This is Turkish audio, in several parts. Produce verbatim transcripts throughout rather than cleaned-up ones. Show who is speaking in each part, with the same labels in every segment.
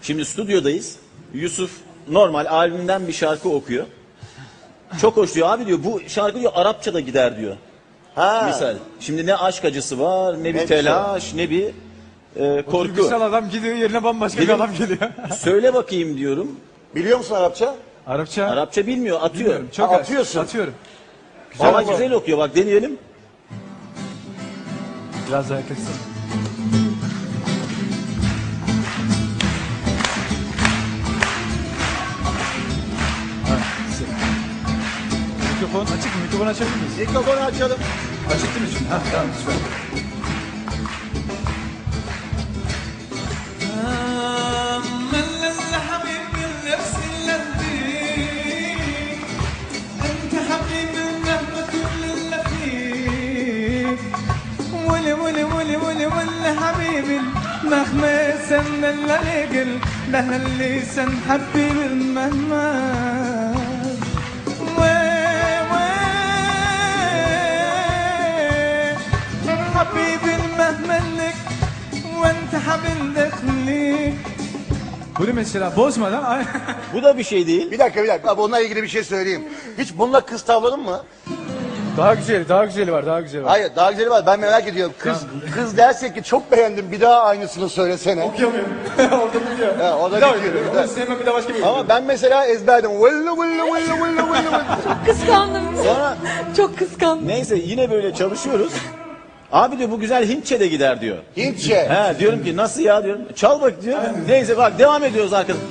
Speaker 1: Şimdi stüdyodayız. Yusuf normal albümden bir şarkı okuyor. Çok hoş diyor. Abi diyor bu şarkı diyor Arapça da gider diyor.
Speaker 2: Ha.
Speaker 1: Misal. Şimdi ne aşk acısı var, ne bir
Speaker 2: Ne
Speaker 1: telaş, ne bir e, korku.
Speaker 3: Duygusal adam gidiyor yerine bambaşka
Speaker 1: Benim-
Speaker 3: bir adam geliyor.
Speaker 1: Söyle bakayım diyorum.
Speaker 2: Biliyor musun Arapça?
Speaker 3: Arapça.
Speaker 1: Arapça bilmiyor, atıyor.
Speaker 3: Bilmiyorum, çok
Speaker 2: Ha,
Speaker 3: az.
Speaker 2: atıyorsun.
Speaker 3: Atıyorum.
Speaker 1: Ama
Speaker 2: ama-
Speaker 1: güzel okuyor, bak deneyelim.
Speaker 3: Biraz daha yaklaşsın. Mikrofon açık mı? Mikrofon açabilir miyiz?
Speaker 2: Mikrofonu açalım.
Speaker 3: Açık değil mi şimdi? Ha, tamam süper.
Speaker 4: مهما سن الليل ده اللي سن حبيبي مهما حبيبي مهما لك وانت حبيب دخلي.
Speaker 3: Bunu mesela bozmadan ay-
Speaker 1: Bu da bir şey değil.
Speaker 2: Bir dakika bir dakika. Abi onunla ilgili bir şey söyleyeyim. Hiç bununla kız tavladın mı?
Speaker 3: daha güzeli, daha güzeli var, daha güzeli var.
Speaker 2: Hayır daha güzeli var. Ben merak ediyorum. Kız kız derse ki çok beğendim bir daha aynısını söylesene.
Speaker 3: Okuyamıyorum. Orada bitiyor.
Speaker 2: Ha, o da
Speaker 3: Bir daha
Speaker 2: bitiyor,
Speaker 3: okuyorum.
Speaker 2: bir daha.
Speaker 3: Onu sevmem bir daha başka bir
Speaker 2: Ama ben mesela ezberledim. Vıllı vıllı vıllı vıllı vıllı.
Speaker 5: Kıskandım.
Speaker 1: Sonra
Speaker 5: Çok kıskandım.
Speaker 1: neyse yine böyle çalışıyoruz. Abi diyor bu güzel Hintçe de gider diyor.
Speaker 2: Hintçe.
Speaker 1: He diyorum ki nasıl ya diyorum. Çal bak diyor. Neyse bak devam ediyoruz arkadaşlar.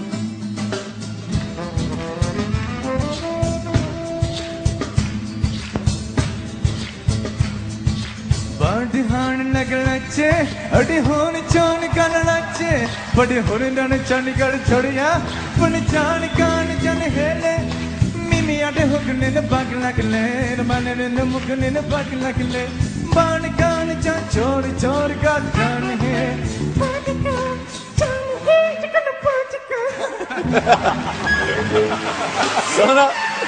Speaker 4: बड़ी हान लग लचे अड़ी होन चान कर लचे बड़ी होन डन चन कर छोड़िया पण चान कान जन हेले मिमी अडे हुकने न बाग लगले माने न मुकने न बाग लगले बाण कान चा छोड़ छोड़ का जान है बाग कान जान है चिकन पाचिका.
Speaker 1: Sonra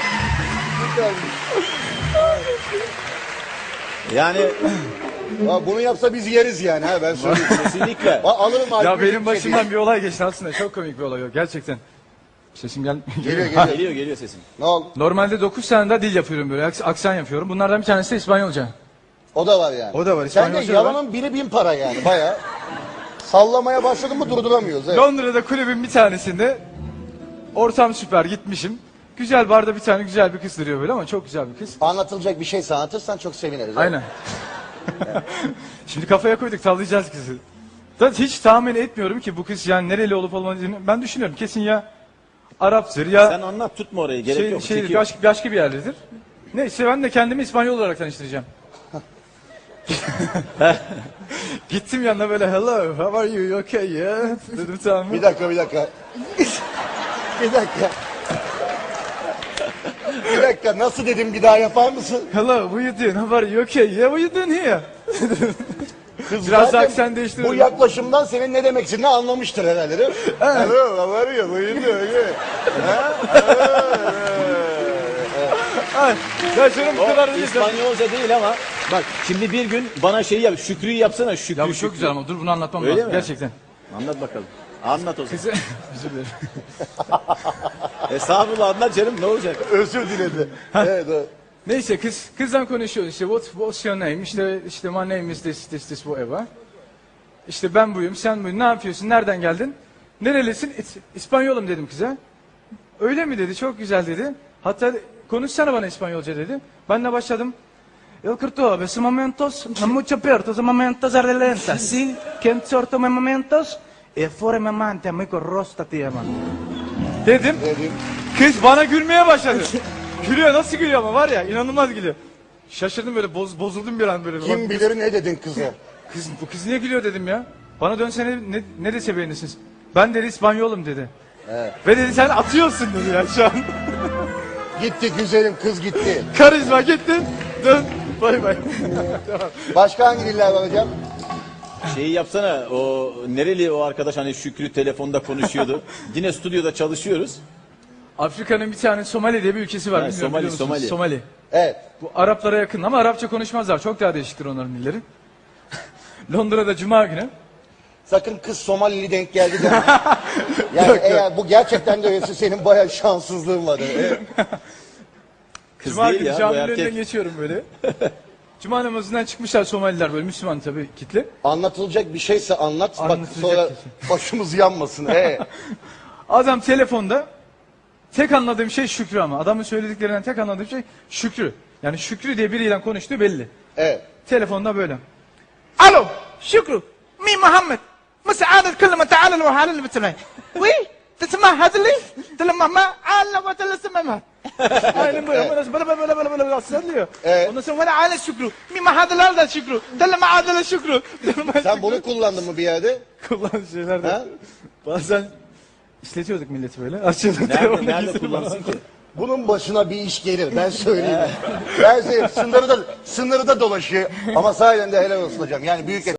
Speaker 1: yani
Speaker 2: Ya bunu yapsa biz yeriz yani ha ben söyleyeyim.
Speaker 1: kesinlikle.
Speaker 2: Ba- Alırım
Speaker 3: Ya
Speaker 2: albümü,
Speaker 3: benim
Speaker 2: Hintçe
Speaker 3: başımdan bir olay geçti aslında. Çok komik bir olay yok gerçekten. Sesim gel
Speaker 2: diye. Geliyor geliyor.
Speaker 1: Geliyor geliyor sesim.
Speaker 2: Ne oldu?
Speaker 3: Normalde dokuz tane daha dil yapıyorum böyle. aks- Aksan yapıyorum. Bunlardan bir tanesi de İspanyolca.
Speaker 2: O da var yani.
Speaker 3: O da var,
Speaker 2: Sen de
Speaker 3: İspanyolca da var.
Speaker 2: yalanın biri bin para yani baya. Sallamaya başladın mı durduramıyoruz. Evet.
Speaker 3: Londra'da kulübün bir tanesinde ortam süper gitmişim. Güzel barda bir tane güzel bir kız duruyor böyle ama çok güzel bir kız.
Speaker 2: Anlatılacak bir şey anlatırsan çok seviniriz. evet.
Speaker 3: Aynen. Şimdi kafaya koyduk tavlayacağız kızı. Da hiç tahmin etmiyorum ki bu kız yani nereli olup olmadığını ben düşünüyorum. Kesin ya Arap'tır ya
Speaker 1: Sen anlat tutma orayı gerek
Speaker 3: şey,
Speaker 1: yok.
Speaker 3: şey,
Speaker 1: çekiyor.
Speaker 3: başka, başka bir yerdedir. Neyse ben de kendimi İspanyol olarak tanıştıracağım. Gittim yanına böyle hello how are you, you okay yeah dedim tamam mı?
Speaker 2: Bir dakika bir dakika. bir dakika. bir dakika nasıl dedim bir daha yapar mısın?
Speaker 3: Hello what you doing how are you okay yeah what you doing here?
Speaker 2: Kız
Speaker 3: Biraz
Speaker 2: zaten
Speaker 3: aksan değiştirelim.
Speaker 2: Bu yaklaşımdan senin ne demek istediğini anlamıştır herhalde değil mi? Hello, how are you? How you doing? Ha?
Speaker 3: Ay, ya canım bu
Speaker 1: O
Speaker 3: kadar değil.
Speaker 1: İspanyolca değil ama bak şimdi bir gün bana şey yap Şükrü'yü yapsana Şükrü.
Speaker 3: Ya bu
Speaker 1: Şükrü.
Speaker 3: çok güzel ama dur bunu anlatmam
Speaker 1: Öyle
Speaker 3: lazım
Speaker 1: mi?
Speaker 3: gerçekten.
Speaker 1: Anlat bakalım. Anlat o zaman.
Speaker 3: Kızı özür dilerim.
Speaker 1: Estağfurullah anlat canım ne olacak?
Speaker 2: Özür diledi. evet, evet.
Speaker 3: Neyse kız kızdan konuşuyoruz işte what what's your name işte işte my name is this this this whatever. İşte ben buyum sen buyum ne yapıyorsun nereden geldin? Nerelisin? İs- İspanyolum dedim kıza. Öyle mi dedi çok güzel dedi. Hatta konuşsana bana İspanyolca dedi. Ben de başladım. El corto ves momentos mucho peor tus momentos ardelentas si que sorto momentos e fuori me mante amigo rosta ti ama. Dedim.
Speaker 2: Dedim.
Speaker 3: Kız bana gülmeye başladı. Gülüyor nasıl gülüyor ama var ya inanılmaz gülüyor. Şaşırdım böyle boz, bozuldum bir an böyle.
Speaker 2: Kim
Speaker 3: Bak,
Speaker 2: bilir ne dedin kıza?
Speaker 3: kız, bu kız niye gülüyor dedim ya. Bana dönsene ne, ne dese beğenirsiniz. Ben dedi İspanyolum dedi.
Speaker 2: Evet.
Speaker 3: Ve dedi sen atıyorsun dedi ya şu an.
Speaker 2: Gitti güzelim kız gitti.
Speaker 3: Karizma gitti. Dön. Bay bay.
Speaker 2: Başka hangi diller var hocam?
Speaker 1: Şeyi yapsana o nereli o arkadaş hani Şükrü telefonda konuşuyordu. Yine stüdyoda çalışıyoruz.
Speaker 3: Afrika'nın bir tane Somali diye bir ülkesi var.
Speaker 1: Ha,
Speaker 3: bilmiyorum,
Speaker 1: Somali,
Speaker 3: biliyor musunuz?
Speaker 1: Somali.
Speaker 3: Somali.
Speaker 2: Evet.
Speaker 3: Bu Araplara yakın ama Arapça konuşmazlar. Çok daha değişiktir onların dilleri. Londra'da Cuma günü
Speaker 2: Sakın kız Somalili denk geldi deme. Yani eğer bu gerçekten de öyleyse senin bayağı şanssızlığın var. Evet.
Speaker 1: Kız
Speaker 3: Cuma
Speaker 1: değil
Speaker 3: günü
Speaker 1: ya bu
Speaker 3: caminin
Speaker 1: erkek.
Speaker 3: önünden geçiyorum böyle. Cuma namazından çıkmışlar Somaliler böyle Müslüman tabii kitle.
Speaker 2: Anlatılacak bir şeyse anlat. Bak
Speaker 3: Anlatılacak
Speaker 2: sonra
Speaker 3: bir şey.
Speaker 2: başımız yanmasın. Ee.
Speaker 3: Adam telefonda tek anladığım şey Şükrü ama. Adamın söylediklerinden tek anladığım şey Şükrü. Yani Şükrü diye biriyle konuştuğu belli.
Speaker 2: Evet.
Speaker 3: Telefonda böyle.
Speaker 4: الو شكرا مين محمد مساعدة كلمة تعال الوحالة اللي بتسمعي وي تسمع هذا اللي تلمع ما على وتلا سمعها
Speaker 3: Aynen böyle. Böyle böyle böyle böyle böyle böyle sallıyor.
Speaker 2: Evet.
Speaker 4: Ondan sonra bana على شكرا مين ما هذا لا شكرا تلمع هذا لا شكرا
Speaker 2: Sen bunu kullandın mı bir yerde?
Speaker 3: Kullanılan şeyler de.
Speaker 2: Ha?
Speaker 3: Bazen işletiyorduk milleti böyle. Açıyorduk
Speaker 1: Nerede,
Speaker 3: telefonu
Speaker 1: nerede
Speaker 3: gizli
Speaker 1: kullansın ki?
Speaker 2: Bunun başına bir iş gelir. Ben söyleyeyim. Ben söyleyeyim. Sınırı da, sınırı da dolaşıyor. Ama sahiden de helal olsun hocam. Yani büyük